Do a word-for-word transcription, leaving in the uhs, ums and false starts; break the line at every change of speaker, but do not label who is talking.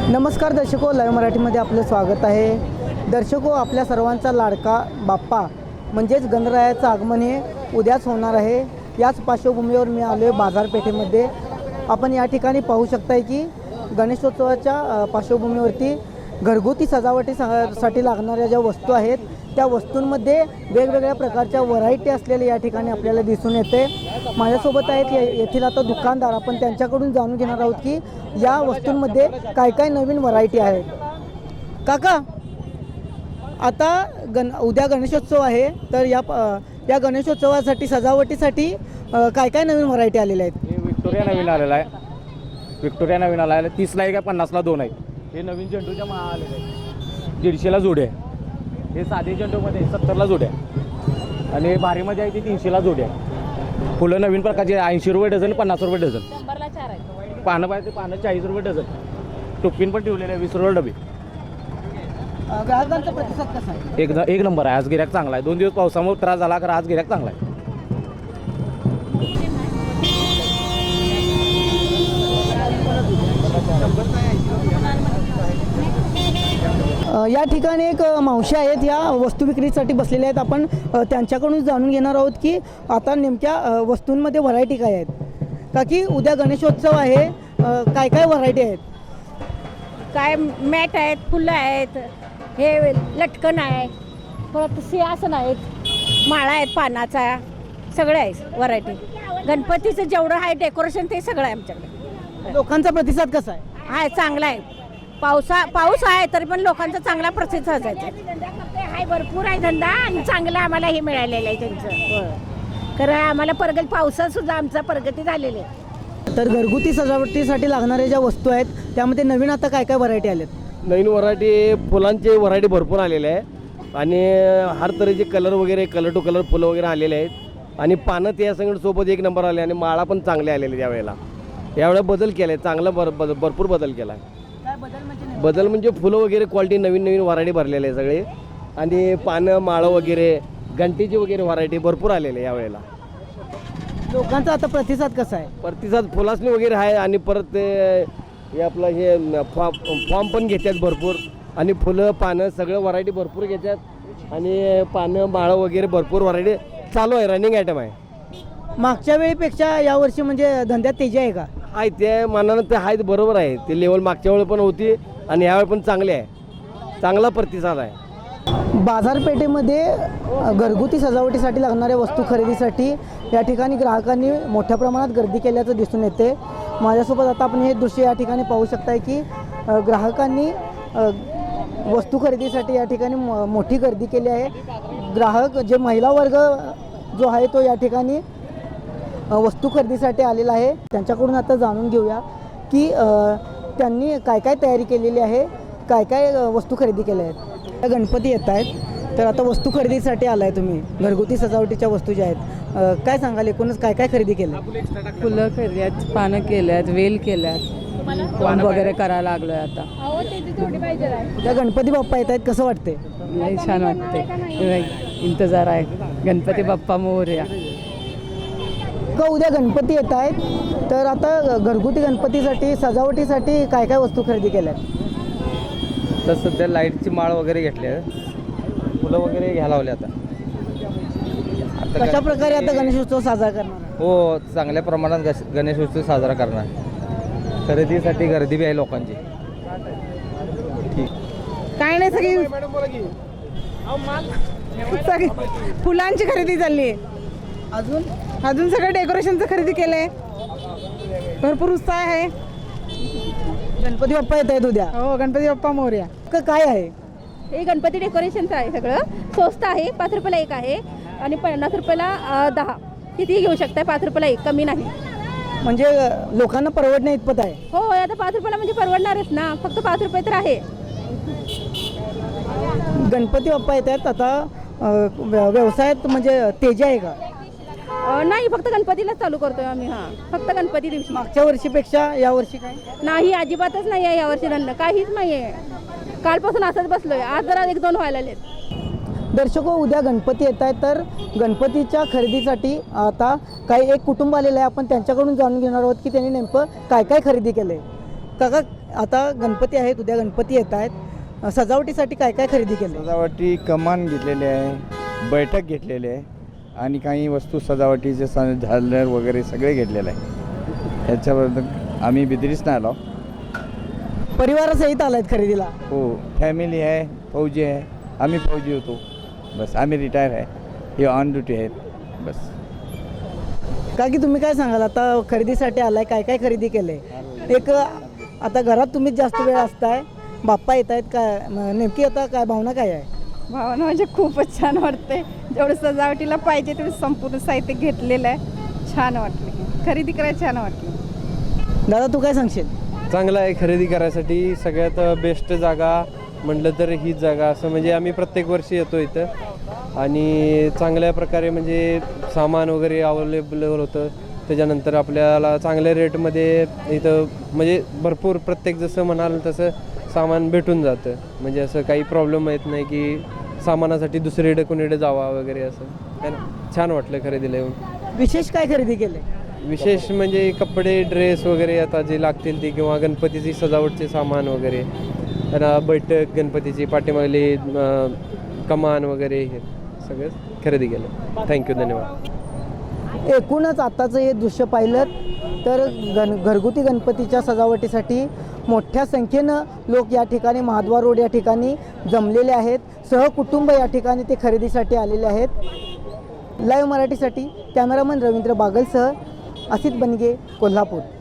नमस्कार दर्शको, लाईव्ह मराठीमध्ये आपलं स्वागत आहे। दर्शको, आपल्या सर्वांचा लाडका बाप्पा म्हणजेच गणरायाचं आगमन हे उद्याच होणार आहे। याच पार्श्वभूमीवर मी आलो आहे बाजारपेठेमध्ये। आपण या ठिकाणी पाहू शकताय की गणेशोत्सवाच्या पार्श्वभूमीवरती घरगुती सजावटीसाठी लागणाऱ्या ज्या वस्तू आहेत त्या वस्तूंमध्ये वेगवेगळ्या प्रकारच्या व्हरायटी असलेले या ठिकाणी आपल्याला दिसून येते। माझ्यासोबत आहेत येथील आता दुकानदार, आपण त्यांच्याकडून जाणून घेणार आहोत की या वस्तूंमध्ये काय काय नवीन व्हरायटी आहेत। काका, आता गण उद्या गणेशोत्सव आहे, तर या या गणेशोत्सवासाठी सजावटीसाठी काय काय नवीन व्हरायटी आलेल्या आहेत?
विक्टोरिया नवीन आलेला आहे। विक्टोरिया नवीन आला आहे, तीसला आहे का पन्नासला दोन आहे। हे नवीन झेंडूच्या माळा आलेले आहे, दीडशेला जोडी आहे। हे साधे झेंडूमध्ये सत्तरला जोडी आहे आणि भारीमध्ये आहे ती तीनशेला जोडी आहे। फुलं नवीन प्रकारचे ऐंशी रुपये डझन, पन्नास रुपये डझन। पानं पाहिजे पानं चाळीस रुपये डझन। टोपीन पण ठेवलेले आहे वीस रुपये डबे।
ग्राहकांचा प्रतिसाद कसा आहे?
एक एक नंबर आहे। आज गिऱ्हाईक चांगला आहे। दोन दिवस पावसामुळे त्रास झाला, तर आज गिऱ्हाईक चांगला आहे।
या ठिकाणी एक मावशी आहेत, या वस्तू विक्रीसाठी बसलेल्या आहेत। आपण त्यांच्याकडून जाणून घेणार आहोत की आता नेमक्या वस्तूंमध्ये व्हरायटी काय आहेत। का की उद्या गणेशोत्सव आहे, काय काय व्हरायटी आहेत?
काय मॅट आहेत, फुलं आहेत, हे लटकन आहे, परत सिंहासन आहेत, माळा आहेत पानाचा, सगळं आहे व्हरायटी। गणपतीचं जेवढं आहे डेकोरेशन ते सगळं आहे आमच्याकडे।
लोकांचा प्रतिसाद कसा आहे?
आहे चांगला आहे। पावसा पाऊस आहे तरी पण लोकांचा चांगला प्रतिसाद आहे। आहे भरपूर आहे धंदा आणि चांगला आम्हाला हे मिळालेलं आहे त्यांचं। खरं आम्हाला प्रगती, पावसात सुद्धा आमचा प्रगती झालेली आहे।
तर घरगुती सजावटीसाठी लागणाऱ्या ज्या वस्तू आहेत त्यामध्ये नवीन आता काय काय व्हरायटी आल्यात?
नवीन व्हरायटी, फुलांचे व्हरायटी भरपूर आलेले आहे आणि हर तऱ्हेचे कलर वगैरे, कलर टू कलर फुलं वगैरे आलेले आहेत आणि पानं त्या संगत सोबत एक नंबर आले आणि माळा पण चांगले आलेले यावेळेला। यावेळेला बदल केला आहे, चांगला बर भरपूर बदल केला आहे। बदल म्हणजे फुलं वगैरे क्वालिटी नवीन नवीन व्हरायटी भरलेले आहे सगळे आणि पानं माळं वगैरे घंटीची वगैरे व्हरायटी भरपूर आलेले यावेळेला।
लोकांचा आता प्रतिसाद कसा आहे?
प्रतिसाद फुलासनी वगैरे आहे आणि परत हे आपलं हे फॉर्म फॉर्म पण घेतात भरपूर आणि फुलं पानं सगळं व्हरायटी भरपूर घेतात आणि पानं माळं वगैरे भरपूर व्हरायटी चालू आहे, रनिंग आयटम आहे।
मागच्या वेळेपेक्षा यावर्षी म्हणजे धंद्यात तेजी आहे का?
आहे ते मानानं ते आहेत, बरोबर आहे। ते लेवल मागच्या वेळी पण होती आणि यावेळी पण चांगले आहे, चांगला प्रतिसाद आहे।
बाजारपेठेमध्ये घरगुती सजावटीसाठी लागणाऱ्या वस्तू खरेदीसाठी या ठिकाणी ग्राहकांनी मोठ्या प्रमाणात गर्दी केल्याचं दिसून येते। माझ्यासोबत आता आपण हे दृश्य या ठिकाणी पाहू शकताय की ग्राहकांनी वस्तू खरेदीसाठी या ठिकाणी मोठी गर्दी केली आहे। ग्राहक जे महिला वर्ग जो आहे तो या ठिकाणी वस्तू खरेदीसाठी आलेला आहे। त्यांच्याकडून आता जाणून घेऊया की त्यांनी काय काय तयारी केलेली आहे, काय काय वस्तू खरेदी केल्या आहेत। गणपती येत आहेत, तर आता वस्तू खरेदीसाठी आला आहे तुम्ही, घरगुती सजावटीच्या वस्तू ज्या आहेत, काय सांगाल एकूणच काय काय खरेदी केलं?
फुलं केल्यात, पानं केल्यात, वेल केल्यात, वाण वगैरे करायला लागलो आहे आता।
उद्या गणपती बाप्पा येत आहेत, कसं वाटते?
लई छान वाटते, इंतजार आहे। गणपती बाप्पा मोरया।
का उद्या गणपती येत आहेत, तर आता घरगुती गणपतीसाठी सजावटीसाठी काय काय वस्तू खरेदी केल्यात?
तर सध्या लाईटची माळ वगैरे घेतली आहे, फुलं वगैरे घ्यायला लावले आता।
कशा प्रकारे आता गणेशोत्सव साजरा करणार?
हो, चांगल्या प्रमाणात गश गणेशोत्सव साजरा करणार। खरेदीसाठी गर्दी बी आहे लोकांची।
काय नाही, सगळी सगळी फुलांची खरेदी चालली आहे।
अजून
अजून सगळं डेकोरेशनचं खरेदी केलं आहे, भरपूर उत्साह आहे।
गणपती बाप्पा येत आहेत उद्या,
हो, गणपती बाप्पा मोरया।
का काय आहे?
हे गणपती डेकोरेशनचं आहे, सगळं स्वस्त आहे। पाच रुपयाला एक आहे आणि पन्नास रुपयाला दहा, कितीही घेऊ शकताय। पाच रुपयाला एक, कमी नाही।
म्हणजे लोकांना परवडणे इतपत आहे?
हो, आता पाच रुपयाला म्हणजे परवडणारच ना, फक्त पाच रुपये तर आहे।
गणपती बाप्पा येत आहेत, आता व्यवसायात म्हणजे तेजी आहे का?
नाही, फक्त गणपतीलाच चालू करतोय आम्ही। हां, फक्त गणपती दिवशी।
मागच्या वर्षीपेक्षा यावर्षी काय?
नाही, अजिबातच नाही आहे यावर्षी धंदा, काहीच नाही आहे। कालपासून असंच बसलोय, आज जरा एक दोन व्हायला लागलेत।
दर्शको, उद्या गणपती येत आहेत, तर गणपतीच्या खरेदीसाठी आता काही एक कुटुंब आलेलं आहे। आपण त्यांच्याकडून जाणून घेणार आहोत की त्यांनी नेमकं काय काय खरेदी केलं आहे। काका आता गणपती आहेत, उद्या गणपती येत आहेत, सजावटीसाठी काय काय खरेदी केलं?
सजावटी कमान घेतलेली आहे, बैठक घेतलेली आहे आणि काही वस्तू सजावटीचे स झालर वगैरे सगळे घेतलेलं आहे. ह्याच्याबद्दल आम्ही बिदरीच नाही आलो.
परिवारासहित आलायत खरेदीला?
हो, फॅमिली आहे, फौजी आहे, आम्ही फौजी होतो, बस आम्ही रिटायर आहे, हे ऑन ड्युटी आहेत बस.
का की तुम्ही काय सांगाल, आता खरेदीसाठी आलाय, काय काय खरेदी केलंय? एक आता घरात तुम्हीच जास्त वेळ असताय, बाप्पा येत आहेत, काय म- नेमकी आता काय भावना काय आहे?
भावना म्हणजे खूपच छान वाटते. जेवढं सजावटीला पाहिजे तेवढं संपूर्ण साहित्य घेतलेलं आहे. छान वाटलं, खरेदी करायला छान वाटलं.
दादा तू काय सांगशील?
चांगलं आहे खरेदी करायसाठी. सगळ्यात बेस्ट जागा म्हटलं तर हीच जागा, असं म्हणजे आम्ही प्रत्येक वर्षी येतो इथं आणि चांगल्या प्रकारे म्हणजे सामान वगैरे अवेलेबल होतं. त्याच्यानंतर आपल्याला चांगल्या रेटमध्ये इथं म्हणजे भरपूर प्रत्येक जसं म्हणाल तसं सामान भेटून जातं. म्हणजे असं काही प्रॉब्लेम येत नाही की सामानासाठी दुसरीकडे कोणीकडे जावा वगैरे असं, है ना. छान वाटलं खरेदीला येऊन.
विशेष काय खरेदी केले?
विशेष म्हणजे कपडे, ड्रेस वगैरे आता जे लागतील ती, किंवा गणपतीची सजावटचे सामान वगैरे, त्यांना बैठक गणपतीची पाठीमागली अं, कमान वगैरे, हे सगळं खरेदी केलं. थँक्यू, धन्यवाद.
एकूणच आताचं हे दृश्य पाहिलं तर गण घरगुती गणपतीच्या सजावटीसाठी मोठ्या संख्येनं लोक या ठिकाणी महाद्वार रोड या ठिकाणी जमलेले आहेत. सहकुटुंब या ठिकाणी ते खरेदीसाठी आलेले आहेत. लाईव्ह मराठीसाठी कॅमेरामन रवींद्र बागलसह असित बनगे, कोल्हापूर.